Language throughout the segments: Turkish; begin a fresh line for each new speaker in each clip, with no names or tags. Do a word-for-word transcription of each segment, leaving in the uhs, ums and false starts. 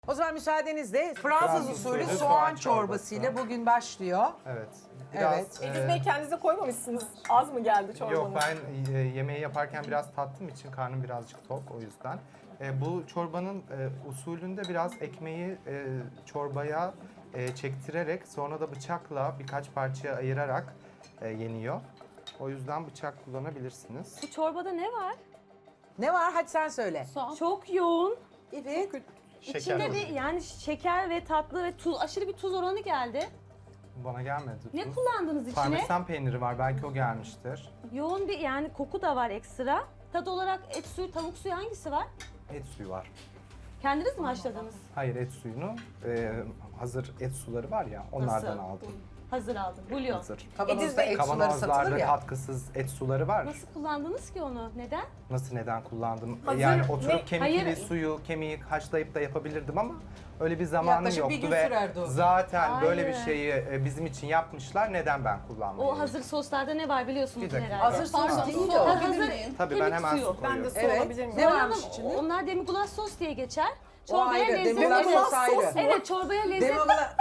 O zaman müsaadenizle Fransız
Fransız
usulü
usulü
soğan
soğan
çorbasıyla
çorbası.
bugün başlıyor.
Evet.
Evet.
e,
Ediz Bey kendinize koymamışsınız. Az mı geldi çorbanız?
Yok, ben e, yemeği yaparken biraz tattığım için karnım birazcık tok, o yüzden. E, bu çorbanın e, usulünde biraz ekmeği e, çorbaya e, çektirerek sonra da bıçakla birkaç parçaya ayırarak e, yeniyor. O yüzden bıçak kullanabilirsiniz.
Bu çorbada ne var?
Ne var? Hadi sen söyle.
Çok yoğun.
Evet.
İçinde bir yani şeker ve tatlı ve tuz, aşırı bir tuz oranı geldi.
Bana gelmedi.
Ne
tuz.
kullandınız içine?
Parmesan peyniri var, belki o gelmiştir.
Yoğun bir yani koku da var ekstra. Tat olarak et suyu, tavuk suyu hangisi var?
Et suyu var.
Kendiniz mi haşladınız?
Hayır, et suyunu e, hazır et suları var ya, onlardan
Nasıl?
aldım.
Hazır aldım. Bulyon.
Hazır.
Kavanozda et suları satılır
Kavanozlarda
ya.
katkısız et suları var.
Nasıl kullandınız ki onu? Neden?
Nasıl, neden kullandım?
Hazır
yani
ne?
oturup kemikli
Hayır.
suyu, kemiği haşlayıp da yapabilirdim ama öyle bir zamanım
Yaklaşık bir
yoktu
gün
ve
sürerdi o.
zaten böyle bir
Hayır.
şeyi e, bizim için yapmışlar. Neden ben kullanmayayım?
O hazır soslarda ne var biliyorsunuz
Bir dakika.
herhalde.
Hazır sos
Pardon,
değil
su
o.
Ha,
alabilir
hazır
miyim?
Tabii ben
kemik
hemen
suyu.
su
Ben de
koyuyorum.
su
Evet.
alabilir miyim?
Ne
Onlar-
varmış içinde?
Onlar demi-glace sos diye geçer.
O
Çorbaya
ayrı.
lezzet
Demi-glace
evet.
sos ayrı.
Evet, çorbaya lezzet.
Demogla...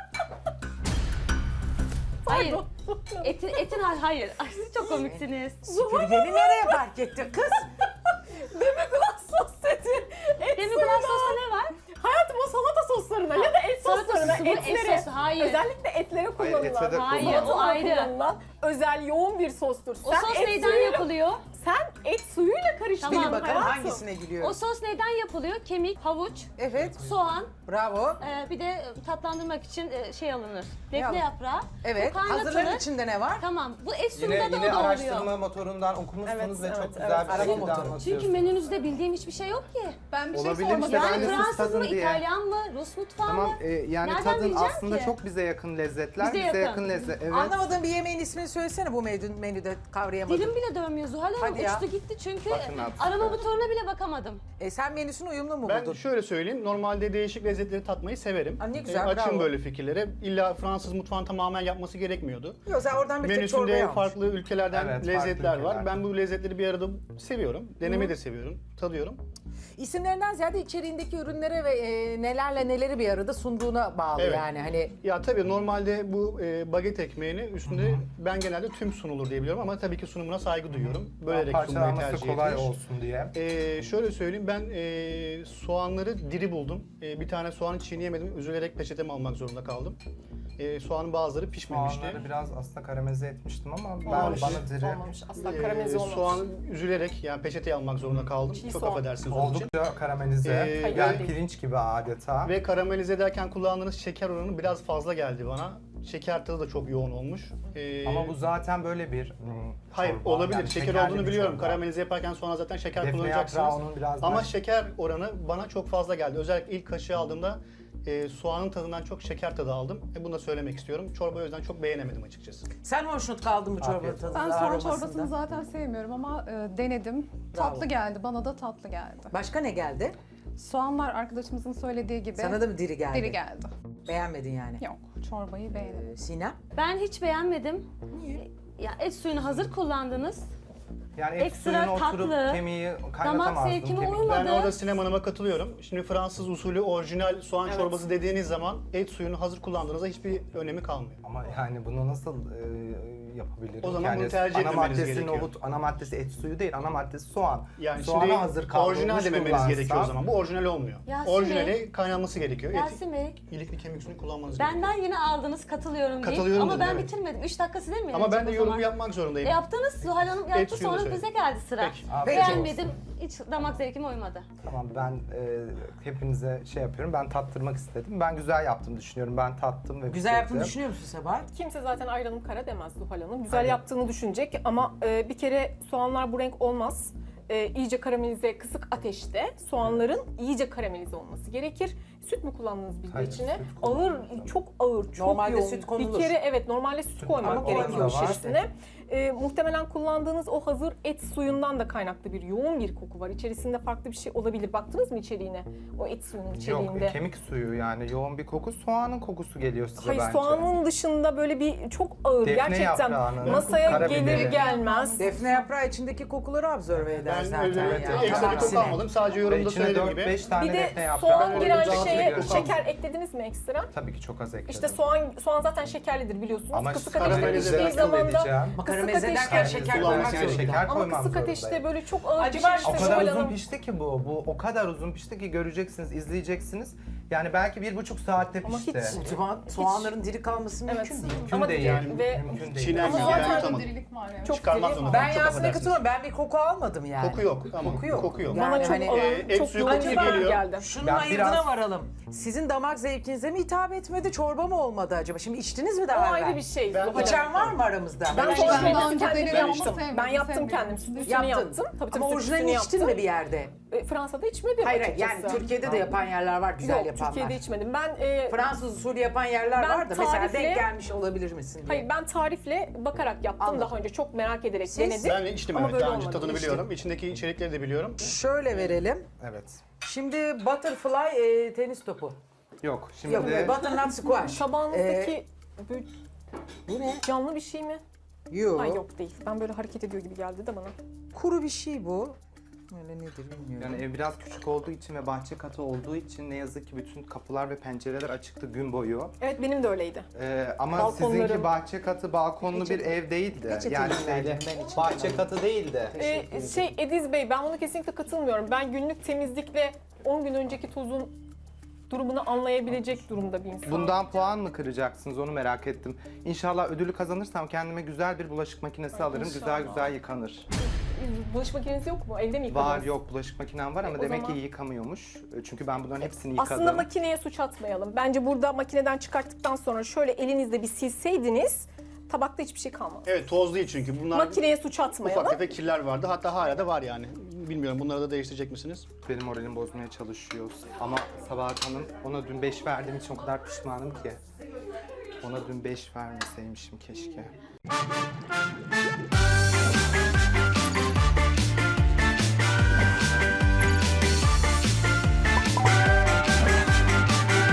Hayır. Etin, etin hayır. Ay, siz çok komiksiniz.
Süpürgeni nereye park etti kız?
Demi-glace sos dedi. Et
Demi-glace sosta ne var?
Hayatım o salata soslarına ya da et
salata
soslarına,
sosu bu, et
etlere,
sosu, hayır.
özellikle etlere kullanılan,
ete de
Hayır,
kullanılır.
o ayrı.
kullanılan özel yoğun bir sostur.
O sos
et
neyden
suyuyla-
yapılıyor?
Sen et suyuyla karıştırdın
Tamam,
Bil bakalım
hayatım.
hangisine gülüyor.
O sos neyden yapılıyor? Kemik, havuç,
Evet.
soğan,
Bravo.
e, bir de tatlandırmak için e, şey alınır.
alınır?
Defne yaprağı.
Evet.
Bu kaynatılır.
Hazırların içinde ne var?
Tamam. Bu et
Yine,
suyunda da
yine
o da oluyor.
araştırma motorundan okumuşsunuz
Evet,
ve
evet,
çok
evet.
güzel bir
Araba
şekilde
motoru.
anlatıyorsunuz.
Çünkü menünüzde bildiğim hiçbir şey yok ki.
Ben bir şey
Olabilir
sormak
işte, ben
Yani
de siz
Fransız mı,
tadın diye.
İtalyan mı, Rus mutfağı
Tamam,
mı?
e, yani
Nereden
tadın
bileceğim
aslında
ki?
çok bize yakın lezzetler.
Bize
Bize,
yakın.
yakın lezzet. Evet.
Anlamadığın bir yemeğin ismini söylesene bu menü, menüde kavrayamadım.
Dilim bile dönmüyor Zuhal Hanım.
Hadi ya.
Uçtu gitti çünkü
Bakın artık.
arama motoruna bile bakamadım.
E sen menüsünü uyumlu mu
Ben
buldun?
şöyle söyleyeyim, normalde değişik lezzetleri tatmayı severim.
Aa, ne güzel,
Ee, açım
bravo.
böyle fikirlere. İlla Fransız mutfağını tamamen yapması gerekmiyordu.
Yok sen oradan bir tek çorbayı
Menüsünde
almış.
farklı ülkelerden
Evet,
lezzetler
farklı
var.
ülkeler.
Ben bu lezzetleri bir arada seviyorum. Denemeyi de seviyorum, tadıyorum.
İsimlerinden ziyade içeriğindeki ürünlere ve e, nelerle neleri bir arada sunduğuna bağlı
Evet.
yani hani.
Ya tabii normalde bu e, baget ekmeğini üstünde ben genelde tüm sunulur diye biliyorum ama tabii ki sunumuna saygı duyuyorum. Bölerek sunmayı
Parçalanması
tercih
kolay
etmiş.
olsun diye.
Ee, şöyle söyleyeyim, ben e, soğanları diri buldum. E, bir tane soğanı çiğneyemedim, üzülerek peçeteme almak zorunda kaldım. E, soğanın bazıları pişmemişti.
Soğanları biraz aslında karamelize etmiştim ama ben
Olmamış.
bana diri.
Olmamış. Asla
Ee,
karamelize olmamış.
soğanı üzülerek yani peçeteye almak zorunda kaldım.
Çiğ
Çok
soğan.
affedersiniz onun için.
Oldukça karamelize.
Ee,
yani
hayır.
pirinç gibi adeta.
Ve karamelize ederken kullandığınız şeker oranı biraz fazla geldi bana. Şeker tadı da çok yoğun olmuş. Ee,
Ama bu zaten böyle bir hmm,
Hayır
çorba.
olabilir.
Yani
şeker
şekerli
olduğunu
bir
biliyorum.
çorba.
Karamelize yaparken sonra zaten şeker
Defne
kullanacaksınız.
yaprağı onun biraz
Ama
daha-
şeker oranı bana çok fazla geldi. Özellikle ilk kaşığı aldığımda e, soğanın tadından çok şeker tadı aldım. E, bunu da söylemek istiyorum. Çorbayı o yüzden çok beğenemedim açıkçası.
Sen hoşnut kaldın bu çorbanın
Afiyet olsun.
tadında,
Ben soğan
aromasında.
çorbasını zaten sevmiyorum ama e, denedim.
Bravo.
Tatlı geldi, bana da tatlı geldi.
Başka ne geldi?
Soğanlar arkadaşımızın söylediği gibi
Sana da mı diri geldi?
diri geldi.
Beğenmedin yani.
Yok, çorbayı beğendim.
Ee, Sinem?
Ben hiç beğenmedim. Niye? Ya et suyunu hazır kullandınız.
Yani et
Ekstra
suyunu oturup
tatlı,
kemiği
damak
kaynatamazdım.
zevkime
kemiği.
uymadı.
Ben orada Sinem Hanım'a katılıyorum. Şimdi Fransız usulü orijinal soğan
Evet.
çorbası dediğiniz zaman et suyunu hazır kullandığınızda hiçbir önemi kalmıyor.
Ama yani bunu nasıl e, yapabilirim?
O zaman
yani
bunu tercih
ana
etmemeniz
maddesi
gerekiyor.
nohut, ana maddesi et suyu değil, ana maddesi soğan.
Yani
Soğana
şimdi
hazır kavrulmuş
orijinal dememeniz
kullansam-
gerekiyor o zaman. Bu orijinal olmuyor.
Yasin
Orijinali
Bey.
kaynanması gerekiyor. Eti,
Yasin Bey,
ilikli kemik suyunu kullanmanız gerekiyor.
benden yine aldınız katılıyorum deyip
Katılıyorum
ama
dedim,
ben
evet.
bitirmedim. Üç dakika size mi
Ama ben
verecek
de
o
yorum
zaman?
yapmak zorundayım.
E yaptınız, Zuhal Hanım yaptı
suyunu
sonra
söyle.
bize geldi sıra.
Peki.
Afiyet
Beğenmedim, hiç damak zevkime uymadı.
Tamam, ben e, hepinize şey yapıyorum, ben tattırmak istedim. Ben güzel yaptım düşünüyorum, ben tattım ve
Güzel yaptığını
bitirdim.
düşünüyor musun Sebahat?
Kimse zaten ayranım kara demez Zuhal Hanım. Güzel
Aynen.
yaptığını düşünecek ama e, bir kere soğanlar bu renk olmaz. E, iyice karamelize, kısık ateşte soğanların iyice karamelize olması gerekir. Süt mü kullandınız bir de
Hayır,
içine?
süt
Ağır,
kullanmadım.
çok ağır, çok
Normalde
yoğun.
süt konulur.
Bir kere evet normalde süt koymak
Ama
gerekiyor
koymamış
içerisine. E, muhtemelen kullandığınız o hazır et suyundan da kaynaklı bir yoğun bir koku var. İçerisinde farklı bir şey olabilir. Baktınız mı içeriğine? O et suyunun içeriğinde.
Yok, kemik suyu yani yoğun bir koku, soğanın kokusu geliyor size
Hayır
bence.
soğanın dışında böyle bir çok ağır
Defne
gerçekten
yaprağının,
masaya
karabiberi.
gelir gelmez.
Defne yaprağı içindeki kokuları absorbe eder.
Ben
zaten
öyle
ya.
ekstra bir koku
Aksine.
almadım. Sadece
Ve
yorumda
içine
söylediğim
dört
gibi.
beş tane
Bir de
defne yaprağı
soğan
öyle
giren
rahatsız
şeye
ediyorum.
şeker eklediniz mi ekstra?
Tabii ki çok az ekledim.
İşte soğan soğan zaten şekerlidir biliyorsunuz.
Ama
kısık
karamelize
ateşte piştiği
nasıl
zaman da
edeceğim?
Ama
kısık
karamelize
ateşte
ederken şeker
Kullanmak
koymak
Yani
zorunda.
şeker
ama
koymam
kısık
zorundayım.
ateşte böyle çok ağır
Acaba
pişirmiştir
O kadar
Zuhal
uzun
Hanım.
pişti ki bu. Bu o kadar uzun pişti ki göreceksiniz, izleyeceksiniz. Yani belki bir buçuk saatte
Ama
pişti.
hiç-
Soğan, soğanların diri kalması
Evet.
mümkün değil.
Mümkün
Ama
değil.
yani
Yani, mümkün değil.
çiğner
Ama
gibi
zaten
ben yutamadım.
Dirilik var yani.
Çok
Çıkarmak
diri.
zorunda.
Ben
Çok
Yasin'e
affedersiniz.
katılıyorum. Ben bir koku almadım yani.
Koku yok. Tamam.
Koku yok.
Koku yok.
Yani
Bana çok
hani,
ağır,
e, et
çok
suyu
yoğun
kokusu
gibi
geliyor.
geldi.
Şunun
Ben
ayırdına
biraz-
varalım. Sizin damak zevkinize mi hitap etmedi, çorba mı olmadı acaba? Şimdi içtiniz mi daha
O
evvel?
ayrı bir şey.
Ben-
Zuhal Hanım.
İçen var mı aramızda?
Ben
Ben
soğan
içtim.
daha
çorbası
önce
kendim
denedim,
yaptım.
sevmedim,
Ben yaptım
sevmiyorum.
kendim. Üstünü
Yaptın.
yaptım. Tabii tabii
Ama
süt
orijinalini
üstünü
içtin
yaptım.
mi bir yerde?
E, Fransa'da içmedim
Hayır hayır,
açıkçası.
yani Türkiye'de de yapan yerler var, güzel
Yok,
yapanlar.
Türkiye'de içmedim. Ben e,
Fransız usulü yapan yerler
Ben
var da mesela
tarifle-
denk gelmiş olabilir misin diye.
hayır ben tarifle bakarak yaptım
Anladım.
daha önce. Çok merak ederek
Siz?
denedim.
Ben de içtim
Ama
evet.
böyle
Daha önce
olmadı.
tadını
İçtim.
biliyorum. İçindeki içerikleri de biliyorum.
Şöyle verelim.
Evet.
Şimdi butterfly e, tenis topu.
Yok şimdi
Yok,
de
butternut squash.
Tabağınızdaki böyle
Bu ne?
canlı bir şey mi?
Yok.
Ay yok değil. Ben böyle hareket ediyor gibi geldi de bana.
Kuru bir şey bu. Öyle nedir bilmiyorum.
yani ev biraz küçük olduğu için ve bahçe katı olduğu için ne yazık ki bütün kapılar ve pencereler açıktı gün boyu.
Evet benim de öyleydi.
Ee, ama
Balkonları-
sizinki bahçe katı balkonlu
Peçete-
bir ev değildi.
peçete
Yani
rica
şeyde,
ederim, ben içim
bahçe
canım.
katı değildi.
Ee, şey Ediz Bey ben buna kesinlikle katılmıyorum. Ben günlük temizlikle on gün önceki tozun durumunu anlayabilecek durumda bir insanım.
Bundan puan mı kıracaksınız onu merak ettim. İnşallah ödülü kazanırsam kendime güzel bir bulaşık makinesi alırım. Güzel
inşallah.
güzel yıkanır.
Bulaşık makineniz yok mu? Evde mi yıkadınız?
Var yok bulaşık makinem var ama
o
demek
zaman-
ki yıkamıyormuş. Çünkü ben bunların hepsini yıkadım.
Aslında makineye suç atmayalım. Bence burada makineden çıkarttıktan sonra şöyle elinizle bir silseydiniz tabakta hiçbir şey kalmaz.
Evet toz değil çünkü. Bunlar
Makineye suç atmayalım.
ufak tefek kirler vardı. Hatta hala da var yani. Bilmiyorum bunları da değiştirecek misiniz?
Benim moralim bozmaya çalışıyor. Ama Sabahat Hanım ona dün beş verdiğim için o kadar pişmanım ki. Ona dün beş vermeseymişim keşke.